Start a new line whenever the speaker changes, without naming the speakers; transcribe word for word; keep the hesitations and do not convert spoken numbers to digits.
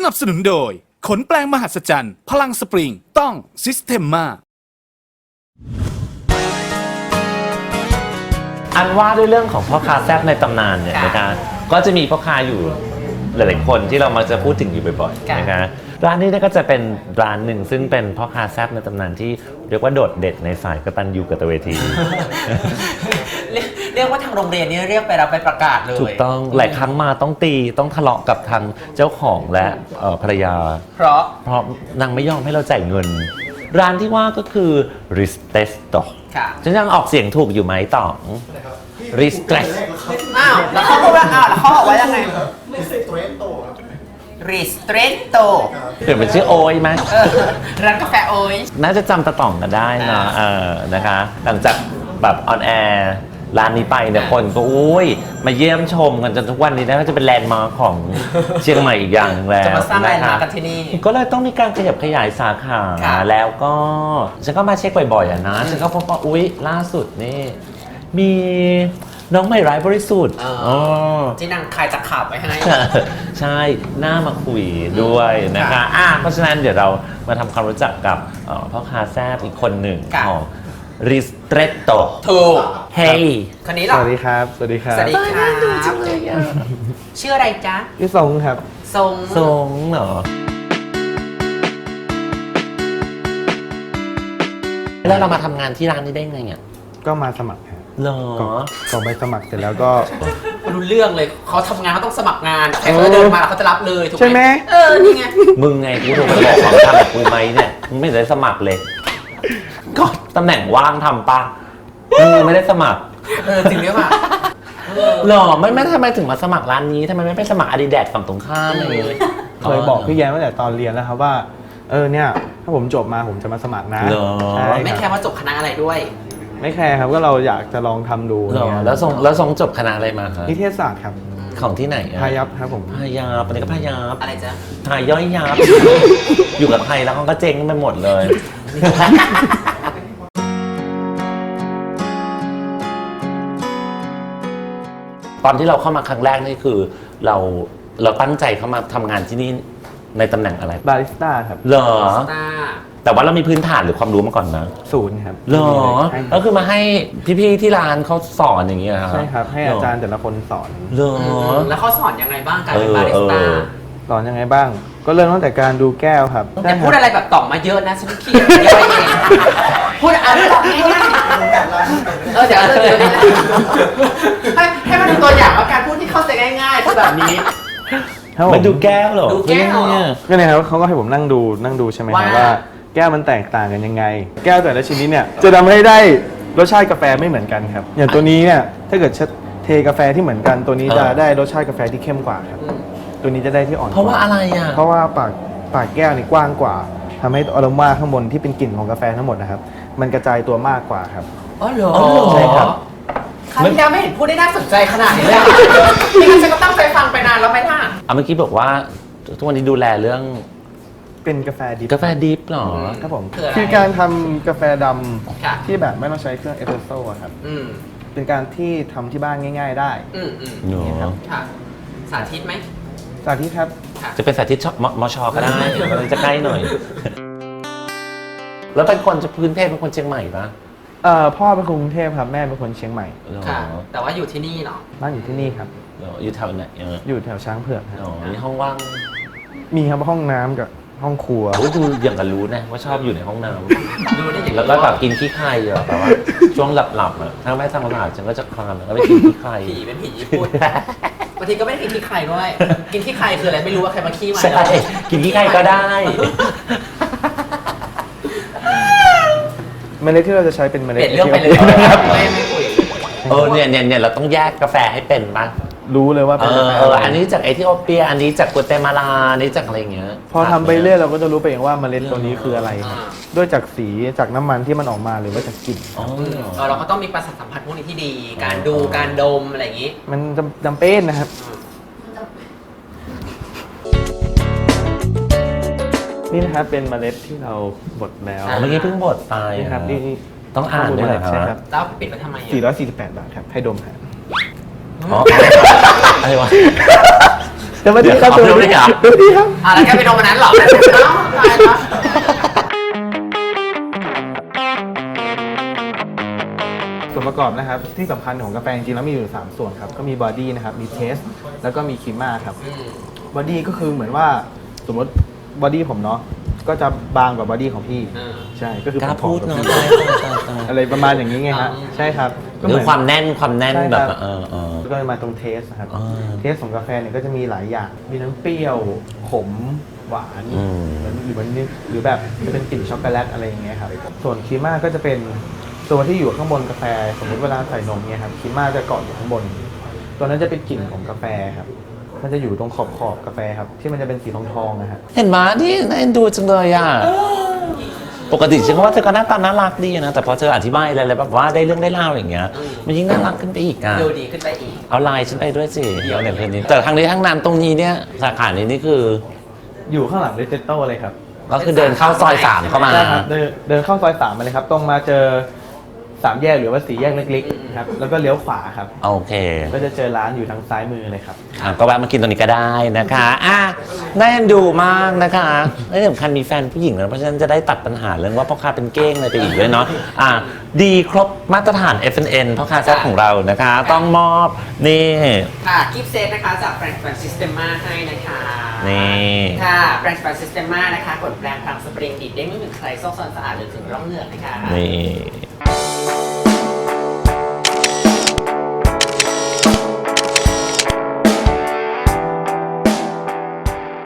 นับสนุนโดยขนแปลงมหัศจรรย์พลังสปริงต้องซิสเ e มมา
อันว่าด้วยเรื่องของพ่อค้าแซ่บในตำนานเนี่ยนะคะก็จะมีพ่อค้าอยู่หลายๆคนที่เรามักจะพูดถึงอยู่บ่อยๆนะคะร้านนี้ก็จะเป็นร้านหนึ่งซึ่งเป็นพ่อค้าแซ่บในตำนานที่เรียกว่าโดดเด่นในสายกตัญญูกตเวที
เรียกว่าทางโรงเรียนนี่เรียกไปรับไปประกาศเลย
ถูกต้องหลายครั้งมาต้องตีต้องทะเลาะกับทางเจ้าของและภรรยา
เพราะ
เพราะนางไม่ยอมให้เราจ่ายเงินร้านที่ว่าก็คือ Ristretto
ค่ะ
ฉันยังออกเสียงถูกอยู่ไหมต่อง Ristretto
อ้าวแล้วเขาบอกว่าอ้าวแล้วเขาบอกว่ายังไง Ristretto Ristretto
เปลี่ยนเป็นชื่อโอยไหม
ร้านกาแฟโอย
น่าจะจำตะต่องกันได้นะเออนะคะหลังจากแบบออนแอร์ร้านนี้ไปเนี่ยคนก็อุ้ยมาเยี่ยมชมกันจนทุกวันนี้นะก็จะเป็นแลนด์มาร์คของเชียงใหม่อีกอย่างแล้ว
จะมาสร้างแลนด์มาร์คกันที่นี่
ก็เลยต้องมีการขยับขยายสาขาแล้วก็ฉันก็มาเช็คบ่อยๆอ่ะนะฉันก็พบว่าอุ้ยล่าสุดนี่มีน้องใหม่ร้ายบริสุทธิ์
ที่นางคายจากข่าวไว้ให้
ใช่หน้ามาคุยด้วยนะคะอ่ะเพราะฉะนั้นเดี๋ยวเรามาทำความรู้จักกับพ่อค้าแซ่บอีกคนหนึ่งของRistretto
ถูก
เฮ้ย
คนนี้หรอ
สวัสดีครับสวัสดีครับ
สวัสดีครับชื่ออะไรจ๊ะ
ชื่อทรงครับ
ทรง
ทรงเหรอแล้วเรามาทำงานที่ร้านนี้ได้ไงอ่ะ
ก็มาสมัครครับ
เหรอ
ก็ไปสมัครเสร็จแล้วก็
รู้เรื่องเลยเขาทำงานเขาต้องสมัครงานใครเขาเดินมาเขาจะรับเลยถูกไหม
ใช่ไหม
เออนี่ไง
มึงไงกูโทรไปบอกความทำกับกูไหมเนี่ยมึงไม่ได้สมัครเลยก็ตำแหน่งว่างทำปะมึงไม่ได้สมัคร
เออจริงหรือเปล่า
หรอไม่ไม่ทำไมถึงมาสมัครร้านนี้ทำไมไม่ไปสมัคร Adidas ฝั่งตรงข้ามอะไรเลย
เคยบอกพี่แย้มตั้งแต่ตอนเรียนแล้วครับว่าเออเนี่ยถ้าผมจบมาผมจะมาสมัครนะ
ไม่แคร์ว่าจบคณะอะไรด้วย
ไม่แคร์ครับก็เราอยากจะลองทำดู
แล้วทรงแล้วทรงจบคณะอะไรมาครับ
นิเทศศาสตร์ครับ
ของที่ไหน
พายัพครับผม
พายัพอันนี้ก็พายัพ
อะไรจ๊ะ
พาย่อยยับอยู่กับไทยแล้วเขาก็เจ๊งไปหมดเลยตอนที่เราเข้ามาครั้งแรกนี่คือเราเราตั้งใจเข้ามาทำงานที่นี่ในตำแหน่งอะไร
บาริสต้าครับ
เหรอแต่ว่าเรามีพื้นฐานหรือความรู้มาก่อนนะ
ศูนย์ครับ
เหรอก็คือมาให้พี่ๆที่ร้านเขาสอนอย่างเงี้ยครับ
ใช่ครับให้อาจารย์แต่ละคนสอน
เหรอ
แล้วเขาสอนยังไงบ้างการเป็นบาริสต้า
สอนยังไงบ้างก็เริ่มตั้งแต่การดูแก้วครับ
แต่พูดอะไรแบบต่องมาเยอะนะฉันขี้เกียจย่อยเองพูดอะไรแบบง่ายๆเออเดี๋ยวเดี๋ยวให้ให้มาดูตัวอย่างว่าการพูดที่เข้าใจง่ายๆคือแบบนี้
มาดูแก้วเหรอ
ดูแก้ว
ก็เนี่ยครับเขาก็ให้ผมนั่งดูนั่งดูใช่ไหมครับว่าแก้วมันแตกต่างกันยังไงแก้วแต่ละชนิดเนี่ยจะทำให้ได้รสชาติกาแฟไม่เหมือนกันครับอย่างตัวนี้เนี่ยถ้าเกิดเทกาแฟที่เหมือนกันตัวนี้จะได้รสชาติกาแฟที่เข้มกว่าครับตัวนี้จะได้ที่อ่อน
เพราะว่าอะไรอ่ะ
เพราะว่าปากปากแก้วนี่กว้างกว่าทำให้อโรมาข้างบนที่เป็นกลิ่นของกาแฟทั้งหมดนะครับมันกระจายตัวมากกว่าครับ
อ๋อเหรอ
ใช่ครับ
ครั้งที่แล้วไม่เห็นพูดได้น่าสนใจขนาดนี้เลยนี่ฉันก็ตั้งใจฟังไปนานแล้วไหมล่ะ
อ่ะเมื่อกี้บอกว่าทุกวันนี้ดูแลเรื่อง
เป็นกาแฟดิบ
กาแฟดิบหรอ
ครับผมคือการทำกาแฟดำที่แบบไม่ต้องใช้เครื่องเอสเปรสโซ่ครับเป็นการที่ทำที่บ้านง่ายๆได้
นี่ครับสาธิตไหม
สาธิตครับ
จะเป็นสาธิตมชก็ได้มันจะใกล้หน่อยแล้วเป็นคนจะพื้นเพเป็นคนเชียงใหม่ปะ
เอ่อพ่อเป็นคนกรุงเทพครับแม่เป็นคนเชียงใหม่
ค่ะแต่ว่าอยู่ที่นี่เนาะ
บ้านอยู่ที่นี่ครับ
อยู่แถวไหน
อยู่แถวช้างเผือกครับ
อ๋อมีห้องว่าง
มีครับห้องน้ำกับห้องครัว
ดูอย่างกันรู้นะว่าชอบอยู่ในห้องน้ำแล้วก็แบบกินขี้ไข่เหรอแต่ว่าช่วงหลับๆอ่ะถ้าไม่ทำอาหารฉันก็จะคลานแล้วก็ไปกินขี้ไข่
ผีเป็นผีญี่ปุ่นบางทีก็ไม่ได้กินขี้ไข่ด้วยกินขี้ไข่คืออะไรไม่รู้ว่าใครมาขี้มา
ใช่กินขี้ไข่ก็ได้
เมล็ดที่เราจะใช้เป็นเมล็ด
เปลี่ยนเรื่องไปเลยไม่ไม่คุย
เออเนี่ยเนี่ยเนี่ยเราต้องแยกกาแฟให้เป็นป่ะ
รู้เลยว่าเป็นกาแฟ
อันนี้จากเอธิโอเปียอันนี้จากกัวเตมาลาอันนี้จากอะไรเงี้ย
พอทำไปเรื่อยเราก็จะรู้ไปเองว่าเมล็ดตัวนี้คืออะไรด้วยจากสีจากน้ำมันที่มันออกมาหรือว่าจากกลิ่น
เราก็ต้องมีประสาทสัมผัสพวกนี้ที่ดีการดูการดมอะไรอย่างนี้
มันจำเป็นนะครับนี่นะครับเป็นเมล็ดที่เราบดแล้ว
เมื่อกี้เพิ่งบดไป
นะครับนี่
ต้องอ่านด้วย
ใช่ครับ
แล้วปิดไว้ทำไม
สี่ร้อยสี่สิบแปดบาทครับให้ดมฮะ
อ๋ออะไรวะ
สวัสดีครับ
เดี๋ยวเอาเรื่องนี้เหรอ
สวัสดีครับ
อ่ะแล้วแกไปโดนวันนั้นเหรอเอ้าตายละ
ส่วนประกอบนะครับที่สำคัญของกาแฟจริงๆแล้วมีอยู่สามส่วนครับก็มีบอดี้นะครับมีเทสแล้วก็มีครีมม่าครับบอดี้ก็คือเหมือนว่าสมมติบอดี้ผมเนาะก็จะบางกว่าบอดี้ของพี่ใช่ก็คือก
ล้า
ผม
พูด
ผอ
เนาะ
มกว่าพี่อะไรประมาณอย่างนี้ไงฮะใช่ครับก็
ห
เห
รื
มื
อ
อน
ความแน่นความแน่น
ใช่
แบ
ครับ
บเออเออ
ก็เลยมาตรงเทสนะครับ
อ่า
เทสของกาแฟเนี่ยก็จะมีหลายอย่างมีทั้งเปรี้ยวขมหวาน
อืม
หรือมันหรือแบบจะเป็นกลิ่นช็อกโกแลตอะไรอย่างเงี้ยครับส่วนครีมม่าก็จะเป็นตัวที่อยู่ข้างบนกาแฟสมมติเวลาใส่นมเนี่ยครับครีมม่าจะเกาะอยู่ข้างบน ตัวนั้นจะเป็นกลิ่นของกาแฟครับมันจะอยู่ตรงขอบขอบๆกาแฟครับที่มันจะเป็นสีทองทองๆนะฮะ
เห็นไหมที่น่าเอ็นดูจังเลยอ่ะปกติฉันก็ว่าเธอก็หน้าตาน่ารักดีนะแต่พอเธออธิบายอะไรๆแบบว่าได้เรื่องได้เล่าอย่างเงี้ยมันยิ่งน่ารักขึ้นไปอีกอ่ะ
ดูดีขึ้นไปอีก
เอาไลน์ฉันไปด้วยสิเอาเนี่ยเพนนี้แต่ทางนี้ทางนั้นตรงนี้เนี่ยสาขานี้นี่คือ
อยู่ข้างหลังเรเจโต้เลยครับ
ก็คือเดินเข้าซอยสามเข้ามา
ใช่ครับเดินเดินเข้าซอยสามมาเลยครับ ตรงมาเจอสามแยกหรือว่าสี่แยกเล็กๆครับแล้วก็เลี้ยวขวาครับ
โอเค
ก็จะเจอร้านอยู่ทางซ้ายมือเลยครับ
อ่ะก็แวะมากินตรงนี้ก็ได้นะคะอ่ะน่าเอ็นดูมากนะคะและที่สำคัญมีแฟนผู้หญิงนะเพราะฉะนั้นจะได้ตัดปัญหาเรื่องว่าพ่อค้าเป็นเก้งอะไรไปอีกด้วยเนาะอ่ะดีครบมาตรฐาน เอฟ เอ็น เอ็น พ่อค้าแซ่บของเรานะคะ ต้องมอบนี่
ค่ะกิฟต์เซตนะคะจากแบรนด์แฟนซิสเตมมาให้นะคะ
นี่
ค่ะแบรนด์แฟนซิสเตมมานะคะกดแปรงพลังสปริงดีดเด้งไม่เหมือนใครซอกซอนสะอาดหรือถึงร่องเหงือกนะคะ
นี่